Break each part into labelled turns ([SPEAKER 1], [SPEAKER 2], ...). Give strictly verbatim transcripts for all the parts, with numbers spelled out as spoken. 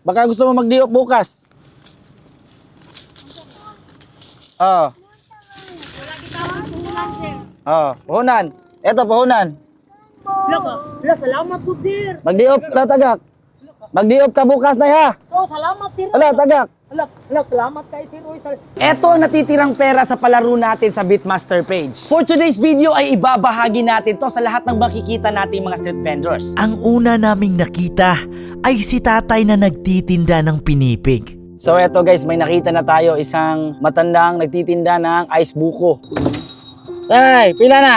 [SPEAKER 1] Baka gusto mo mag-diop bukas. Oh.
[SPEAKER 2] Wala gitawag puhunan, sir.
[SPEAKER 1] Oh, puhunan. Eto puhunan.
[SPEAKER 2] Loko, la salamat po, sir.
[SPEAKER 1] Mag-diop la tagak. Mag-diop ka bukas na ha.
[SPEAKER 2] Oh, salamat, sir.
[SPEAKER 1] Ala tagak.
[SPEAKER 2] Ala, ala, salamat kay sir. Oy, sir.
[SPEAKER 3] Eto ang natitirang pera sa palaro natin sa Beatmaster page. For today's video ay ibabahagi natin to sa lahat ng makikita nating mga street vendors.
[SPEAKER 4] Ang una naming nakita ay si tatay na nagtitinda ng pinipig.
[SPEAKER 1] So eto guys, may nakita na tayo isang matandang nagtitinda ng ice buko. Tay, pila na?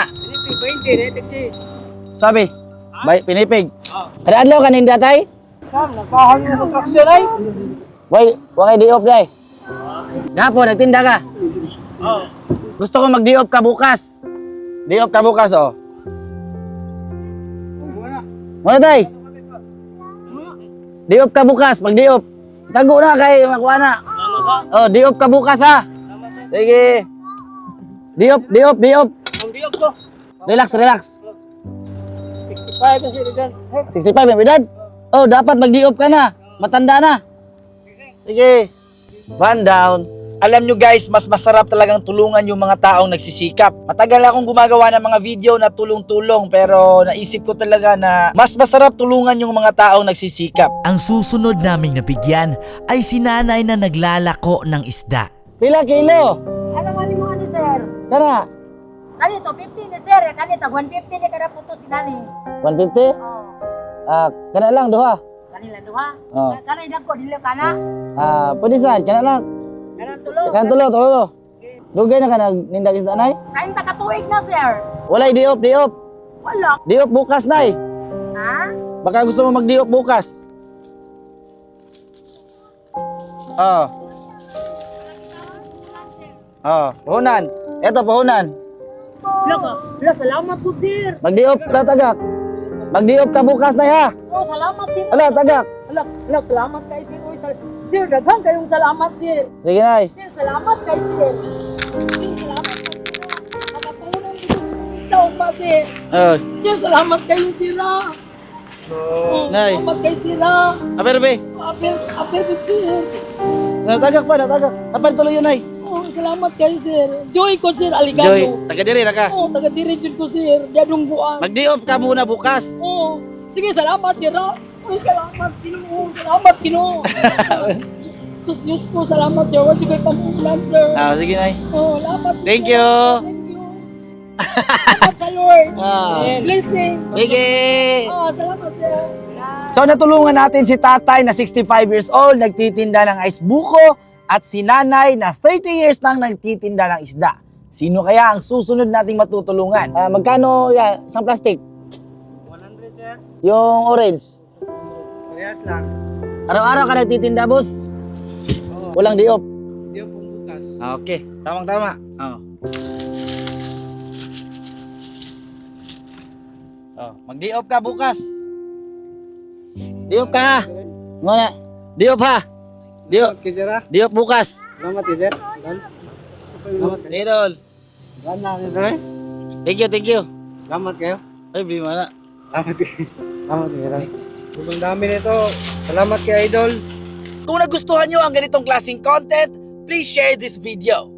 [SPEAKER 1] Sabi, bay, pinipig. Ada adlaw kaninda tay?
[SPEAKER 2] Kam, nagpahal mo kontraksyon ay.
[SPEAKER 1] Way, wa kay diop day. Gapo nagtinda ka?
[SPEAKER 2] Oh.
[SPEAKER 1] Gusto ko mag-diop ka bukas. Diop ka bukas oh. Muna tay? Diop ka bukas, mag-diop. Tago na kay makuha na. Oh, diop ka bukas ha. Sige. Diop, diop, diop.
[SPEAKER 2] Ang diop ko.
[SPEAKER 1] Relax, relax.
[SPEAKER 2] sixty-five na sir dyan.
[SPEAKER 1] sixty-five yung edad? Oh, dapat mag-diop ka na. Matanda na. Sige. One down. Alam nyo guys, mas masarap talagang tulungan yung mga taong nagsisikap. Matagal akong gumagawa ng mga video na tulong-tulong pero naisip ko talaga na mas masarap tulungan yung mga taong nagsisikap.
[SPEAKER 4] Ang susunod naming nabigyan ay si nanay na naglalako ng isda.
[SPEAKER 1] Pila kilo?
[SPEAKER 2] Ano man mo ani sir?
[SPEAKER 1] Kana?
[SPEAKER 2] Kanito fifty ni sir, kanito one fifty ni kada puto si nani.
[SPEAKER 1] one fifty?
[SPEAKER 2] Oh.
[SPEAKER 1] Ah, kana lang duha.
[SPEAKER 2] Kanila duha.
[SPEAKER 1] Oh.
[SPEAKER 2] Kanay dagko dili kana.
[SPEAKER 1] Ah, pwede saan? Kana lang.
[SPEAKER 2] Kanang tulo.
[SPEAKER 1] Kana tulo, tulo. Dugay na ka nagnindag isda nay?
[SPEAKER 2] Kain ta katuig na sir.
[SPEAKER 1] Walay diop, diop.
[SPEAKER 2] Wala.
[SPEAKER 1] Diop bukas nay.
[SPEAKER 2] Ha?
[SPEAKER 1] Baka gusto mo mag-diop bukas. Oh. Oh, puhunan. Eto puhunan.
[SPEAKER 2] Loko, la salamat po sir.
[SPEAKER 1] Mag-diop la tagak. Mag-diop ka bukas na ha.
[SPEAKER 2] Oh, salamat sir.
[SPEAKER 1] Ala tagak.
[SPEAKER 2] Ala, ala, salamat kay sir. Oy, sir. Sir, daghang kayong salamat sir.
[SPEAKER 1] Sige nay.
[SPEAKER 2] Sir, salamat kay sir. Sir, salamat kay sir. Nakatulong dito sa pa sir.
[SPEAKER 1] Oh,
[SPEAKER 2] Sir, salamat kayo sir. ah. Oh,
[SPEAKER 1] Nay.
[SPEAKER 2] salamat kay sir. ah.
[SPEAKER 1] aber be.
[SPEAKER 2] Apir, apir po sir.
[SPEAKER 1] Natagak pa, natagak. Tapal tuloy yun ay.
[SPEAKER 2] Oh, salamat kayo sir. Joy ko sir, aligado.
[SPEAKER 1] Joy, taga diri na ka.
[SPEAKER 2] Oh, taga diretsyon ko sir. Dadong buwan.
[SPEAKER 1] Mag-diop ka muna bukas.
[SPEAKER 2] Oh, sige, salamat sir. ah. Uy, salamat Ginoo. Salamat Ginoo. Sus Diyos ko, salamat sir. Wala ko'y pamulan sir.
[SPEAKER 1] Ah, sige nay.
[SPEAKER 2] Oh, salamat sir.
[SPEAKER 1] Thank you.
[SPEAKER 2] Thank you. Salamat sa Lord.
[SPEAKER 1] Ah.
[SPEAKER 2] Blessing.
[SPEAKER 1] Sige.
[SPEAKER 2] Oh, salamat sir.
[SPEAKER 1] So natulungan natin si tatay na sixty-five years old, nagtitinda ng ice buko, at si nanay na thirty years nang nagtitinda ng isda. Sino kaya ang susunod nating matutulungan? Ah, magkano yan? Isang plastic?
[SPEAKER 3] one hundred sir.
[SPEAKER 1] Yung orange?
[SPEAKER 3] Parehas lang.
[SPEAKER 1] Araw-araw ka nagtitinda, boss? Walang diop?
[SPEAKER 3] Diop pong bukas.
[SPEAKER 1] Ah, okay. Tamang-tama. Oh. Oh, mag-diop ka bukas. Diop ka ha. Ngona. Diop ha. Diop.
[SPEAKER 3] Okay sir ah.
[SPEAKER 1] Diop bukas.
[SPEAKER 3] Salamat sir. Salamat kayo.
[SPEAKER 1] Idol.
[SPEAKER 3] Salamat sir.
[SPEAKER 1] Thank you, thank you.
[SPEAKER 3] Salamat kayo.
[SPEAKER 1] Ay, bili mo na.
[SPEAKER 3] Salamat kayo. Salamat kayo. Sobrang dami nito. Salamat kay Idol.
[SPEAKER 1] Kung nagustuhan nyo ang ganitong klaseng content, please share this video.